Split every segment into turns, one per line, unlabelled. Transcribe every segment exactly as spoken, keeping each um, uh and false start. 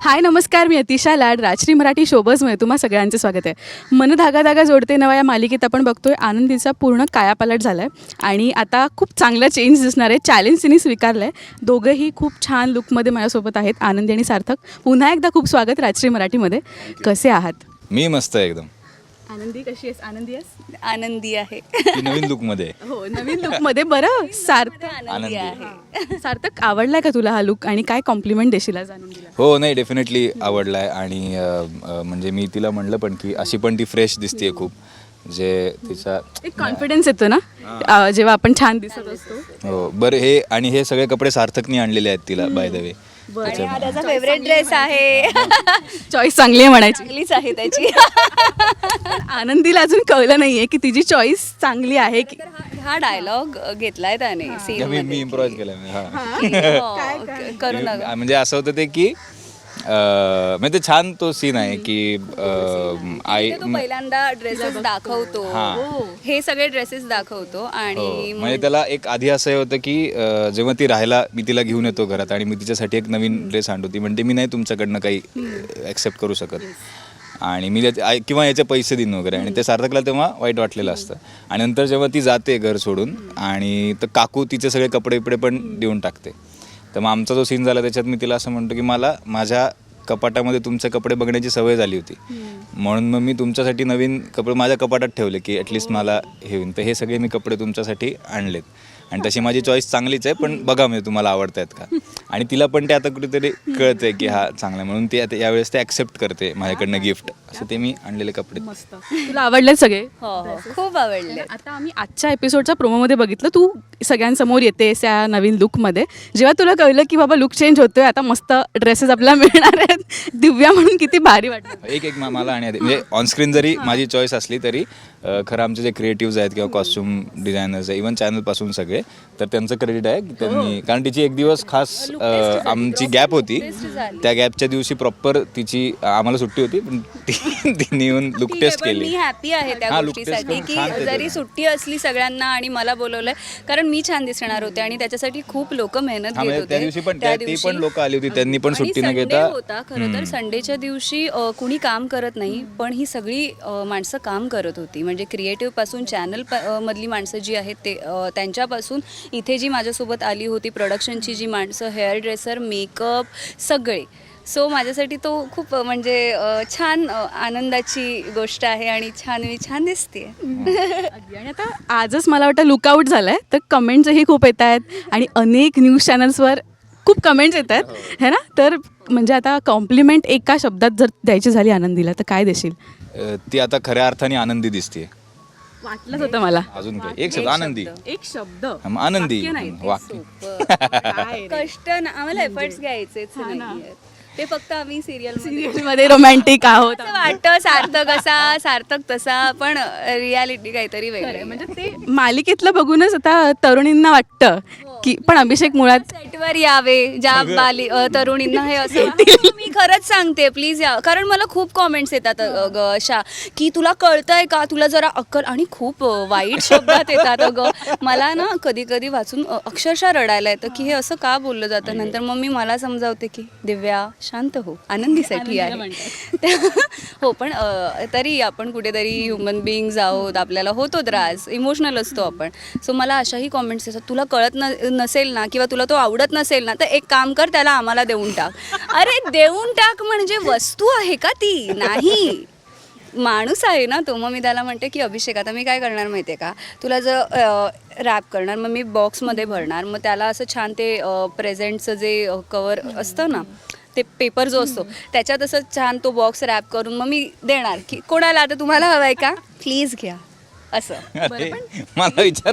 हाय नमस्कार, मी अतिशा लाड राजश्री मराठी शोबजमध्ये तुम्हा सगळ्यांचं स्वागत आहे. मन धागा धागा जोडते नवा या मालिकेत आपण बघतोय आनंदीचा पूर्ण कायापालट झाला आहे आणि आता खूप चांगला चेंज दिसणार आहे. चॅलेंज तिने स्वीकारलं आहे. दोघंही खूप छान लुकमध्ये माझ्यासोबत आहेत, आनंदी आणि सार्थक. पुन्हा एकदा खूप स्वागत राजश्री मराठीमध्ये. कसे आहात?
मी मस्त आहे एकदम.
आनंदी कशी आहेस? आनंदी आहेस?
आनंदी आहे.
ती नवीन लुक मध्ये.
हो, नवीन लुकमध्ये. बरं सार्थक,
आनंदी आहे.
सार्थक आवडलाय का तुला हा लुक आणि काय कॉम्प्लिमेंट देशील आज आनंदीला?
हो, नाही डेफिनेटली आवडलाय आणि अ, अ, म्हणजे मी तिला म्हणलं पण की अशी पण ती फ्रेश दिसते खूप. जे तिचा
एक कॉन्फिडन्स येतो ना अ, जेव्हा आपण छान दिसत असतो.
हो बरं. हे आणि हे सगळे कपडे सार्थकनी आणलेले आहेत तिला बाय द वे.
आणि हा त्याचा फेवरेट ड्रेस आहे.
चॉईस चांगली आहे म्हणायची.
चांगलीच आहे त्याची.
आनंदीला अजून कळलं नाहीये की तिची चॉईस चांगली आहे की
हा डायलॉग घेतलाय त्याने सीन
मी मी इम्प्रोवाइज केलं हा.
करू नका.
मी- म्हणजे असं होतं ते की अ, म्हणजे ते छान तो सीन आहे की अ, आई
तो पहिल्यांदा ड्रेसेस दाखवतो. हे सगळे ड्रेसेस दाखवतो
हो,
आणि
म्हणजे त्याला एक आधी असं होतं की अ, जेव्हा ती राहायला मी तिला घेऊन येतो घरात आणि मी तिच्यासाठी एक नवीन ड्रेस आणतो. ती म्हणते मी नाही तुमच्याकडनं काही ॲक्सेप्ट करू शकत आणि मी त्याचे- आय- किंवा याचे पैसे देईन वगैरे. आणि ते सार्थकला तेव्हा वाईट वाटलेलं असतं. आणि नंतर जेव्हा ती जाते घर सोडून आणि तर काकू तिचे सगळे कपडे बिपडे पण देऊन टाकते. तर मग आमचा जो सीन झाला त्याच्यात मी तिला असं म्हणतो की मला माझ्या कपाटामध्ये तुमचे कपडे बघण्याची सवय झाली होती, म्हणून मग मी तुमच्यासाठी नवीन कपडे माझ्या कपाटात ठेवले की ॲटलिस्ट मला हे होईल. तर हे सगळे मी कपडे तुमच्यासाठी आणलेत आणि तशी माझी चॉईस चांगलीच आहे, पण बघा म्हणजे तुम्हाला आवडत आहेत का. आणि तिला पण ते आता कुठेतरी कळतंय की हा चांगला आहे, म्हणून ती आता यावेळेस ते ॲक्सेप्ट करते माझ्याकडनं गिफ्ट. असं ते मी आणलेले कपडे.
मस्त. तुला आवडले सगळे?
हो हो, खूप आवडले.
आता आम्ही आजच्या एपिसोडच्या प्रोमोमध्ये बघितलं तू सगळ्यांसमोर येतेस या नवीन लुकमध्ये. जेव्हा तुला कळलं की बाबा लुक चेंज होतोय, आता मस्त ड्रेसेस आपल्याला मिळणार आहेत, दिव्या म्हणून किती भारी वाटतं?
एक एक मा- मला आणि आधी म्हणजे ऑनस्क्रीन जरी माझी चॉईस असली तरी अ, खरं आमचे जे क्रिएटिव्ज आहेत किंवा कॉस्ट्युम डिझायनर्स आहे, इव्हन चॅनलपासून सगळे, तर त्यांचं क्रेडिट आहे की त्यांनी, कारण तिची एक दिवस खास अ, आमची गॅप होती. त्या गॅपच्या दिवशी प्रॉपर तिची आम्हाला सुट्टी होती, पण ती- तिने येऊन लुक
ठीक आहे,
टेस्ट
पण
केली.
मी हॅपी आहे त्या
हा, look test
गोष्टीसाठी
करून
की
छान केलं.
जरी सुट्टी असली सगळ्यांना आणि मला बोलवलंय, कारण मी छान दिसणार होते आणि त्याच्यासाठी खूप लोक मेहनत
हा,
घेत
म्हणजे
होते.
त्या दिवशी पण त्या- ती पण लोक आली होती, त्यांनी पण
आणि
सुट्टी न
Sunday
घेता.
होता खरं तर. संडेच्या दिवशी अ, कुणी काम करत नाही, पण ही सगळी अ, माणसं काम करत होती. म्हणजे क्रिएटिव्ह पासून चॅनल मधली माणसं जी आहेत ते अ, त्यांच्यापासून इथे जी माझ्यासोबत आली होती प्रोडक्शनची जी माणसं, हेअर ड्रेसर, मेकअप, सगळे. सो माझ्यासाठी तो खूप अ, म्हणजे अ, छान अ, आनंदाची गोष्ट आहे आणि छान मी छान दिसते.
अगदी. आणि आता आजच मला वाटतं लुकआउट झालंय, तर कमेंट्सही खूप येत आहेत आणि अनेक न्यूज चॅनल्सवर खूप कमेंट्स येत आहेत है ना. तर म्हणजे आता कॉम्प्लिमेंट एका शब्दात जर द्यायची झाली आनंदीला तर काय देशील?
अ, ती आता खऱ्या अर्थाने आनंदी दिसते.
वाटलंच होतं मला.
अजून काय एक शब्द आनंदी.
एक शब्द
हा, मग आनंदी
वाक्य नाही, ते
वाक्य.
काय रे?
कष्ट ना, आम्हाला एफर्ट्स घ्यायचेच नाहीयेत. ते फक्त आम्ही सिरियल
मध्ये रोमॅन्टिक आहोत.
वाटतं सार्थक असा सार्थक तसा, पण रियालिटी काहीतरी वेगळी आहे.
म्हणजे ते मालिकेतलं बघूनच आता तरुणींना वाटतं की पण अभिषेक मुळात
सेटवर यावे ज्या बाली अ, तरुणींना हे असं मी खरंच सांगते, प्लीज या. कारण मला खूप कॉमेंट्स येतात अ, ग अशा की तुला कळतंय का, तुला जरा अक्कल, आणि खूप अ, वाईट शब्दात येतात अगं. मला ना कधी कधी वाचून अ, अक्षरशः रडायला येतं की हे असं का बोललं जातं. नंतर मग मी मला समजावते की दिव्या शांत हो, आनंदीसाठी आहे. हो, पण अ, तरी आपण कुठेतरी ह्युमन बिईंग्ज आहोत, आपल्याला होतो त्रास, इमोशनल असतो आपण. सो मला अशाही कॉमेंट्स येतात, तुला कळत न नसेल ना किंवा तुला तो आवडत नसेल ना तर एक काम कर, त्याला आम्हाला देऊन टाक. अरे देऊन टाक म्हणजे वस्तू आहे का ती? नाही, माणूस आहे ना तो. मग मी त्याला म्हणते की अभिषेक आता मी काय करणार माहिती आहे का, तुला जर रॅप करणार, मग मी बॉक्समध्ये भरणार, मग त्याला असं छान ते प्रेझेंटचं जे कवर असतं ना, ते पेपर जो असतो त्याच्यात असं छान तो बॉक्स रॅप करून मग मी देणार की कोणाला आता तुम्हाला हवं आहे का, प्लीज घ्या असं.
अरे, मला विचार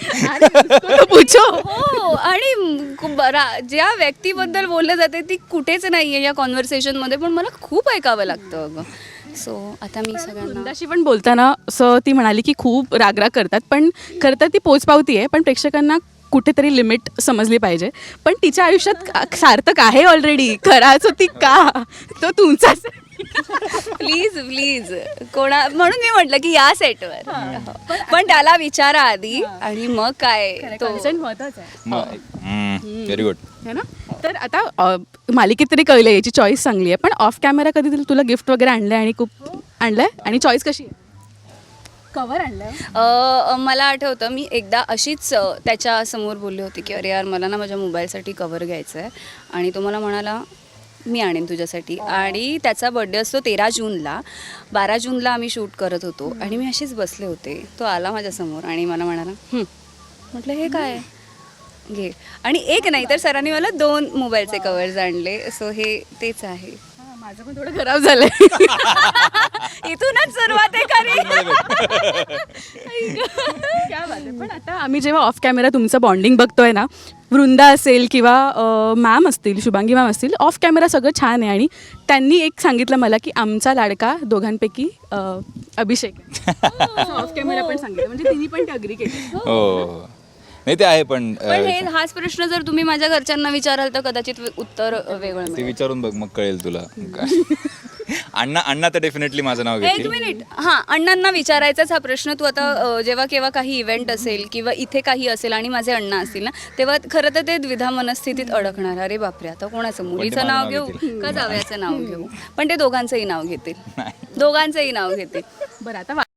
पूछो.
हो, आणि म- बरा- ज्या व्यक्तीबद्दल बोललं जाते ती कुठेच नाही आहे या कॉन्व्हर्सेशनमध्ये, पण मला खूप ऐकावं लागतं अगं. सो आता मी सगळ्यांना
वृंदाशी पण बोलताना असं ती म्हणाली की खूप रागराग करतात, पण खरं तर ती पोचपावती आहे, पण प्रेक्षकांना कुठेतरी लिमिट समजली पाहिजे. पण तिच्या आयुष्यात का- सार्थक आहे ऑलरेडी, खराच होती का तो तुमचाच आहे.
प्लीज प्लीज कोणा म्हणून मी म्हटलं की या सेटवर पण त्याला विचारा आधी आणि मग काय तो
Consent महत्वाचं आहे.
Very good.
है ना. तर आता अ, मालिकेत तरी कळलं याची चॉईस चांगली आहे, पण ऑफ कॅमेरा कधी तुला- तुला गिफ्ट वगैरे आणलं आणि खूप आणलंय आणि चॉईस कशी आहे? कवर आणलंय.
अ, मला आठवतं मी एकदा अशीच अ, त्याच्या समोर बोलली होती की अरे यार मला ना माझ्या मोबाईलसाठी कवर घ्यायचं आहे आणि तो मला म्हणाला मी आणेन तुझ्यासाठी. आणि त्याचा बड्डे असतो तेरा जूनला. बारा जूनला आम्ही शूट करत होतो आणि मी अशीच बसले होते. तो आला माझ्यासमोर आणि मला म्हणाला "हं." म्हटलं हे काय घे. आणि एक नाही तर सरांनी मला दोन मोबाईलचे कवर्स आणले. सो हे तेच आहे.
हा, माझं पण थोडं खराब झालंय.
इथूनच सुरुवात आहे खरी.
क्या बात आहे. पण आता आम्ही जेव्हा ऑफ कॅमेरा तुमचं बॉन्डिंग बघतोय ना, वृंदा असेल किंवा मॅम असतील, शुभांगी मॅम असतील, ऑफ कॅमेरा सगळं छान आहे. आणि त्यांनी एक सांगितलं मला की आमचा लाडका दोघांपैकी अ, अभिषेक आहे. ऑफ कॅमेरा पण सांगितलं, म्हणजे तिने पण अग्री केली.
हो नाही ते आहे पण अ,
पण हे हाच प्रश्न जर तुम्ही माझ्या घरच्यांना विचाराल तर कदाचित वे- उत्तर वेगळं
ते
मिळेल.
विचारून बघ मग कळेल तुला. अण्णा अण्णा तर डेफिनेटली माझं नाव
एक
घेतील.
मिनिट हां अण्णांना विचारायचाच हा प्रश्न. तू आता अ, जेव्हा केव्हा काही इव्हेंट असेल किंवा इथे काही असेल आणि माझे अण्णा असतील ना तेव्हा खरं तर ते द्विधा मनस्थितीत अडकणार. अरे बापरे आता कोणाचं मुलीचं
माझं
नाव
नाव
घेऊ
घेतील?
का जावयाचं नाव घेऊ. पण ते दोघांचंही नाव घेतील दोघांचंही नाव घेतील.
बरं आता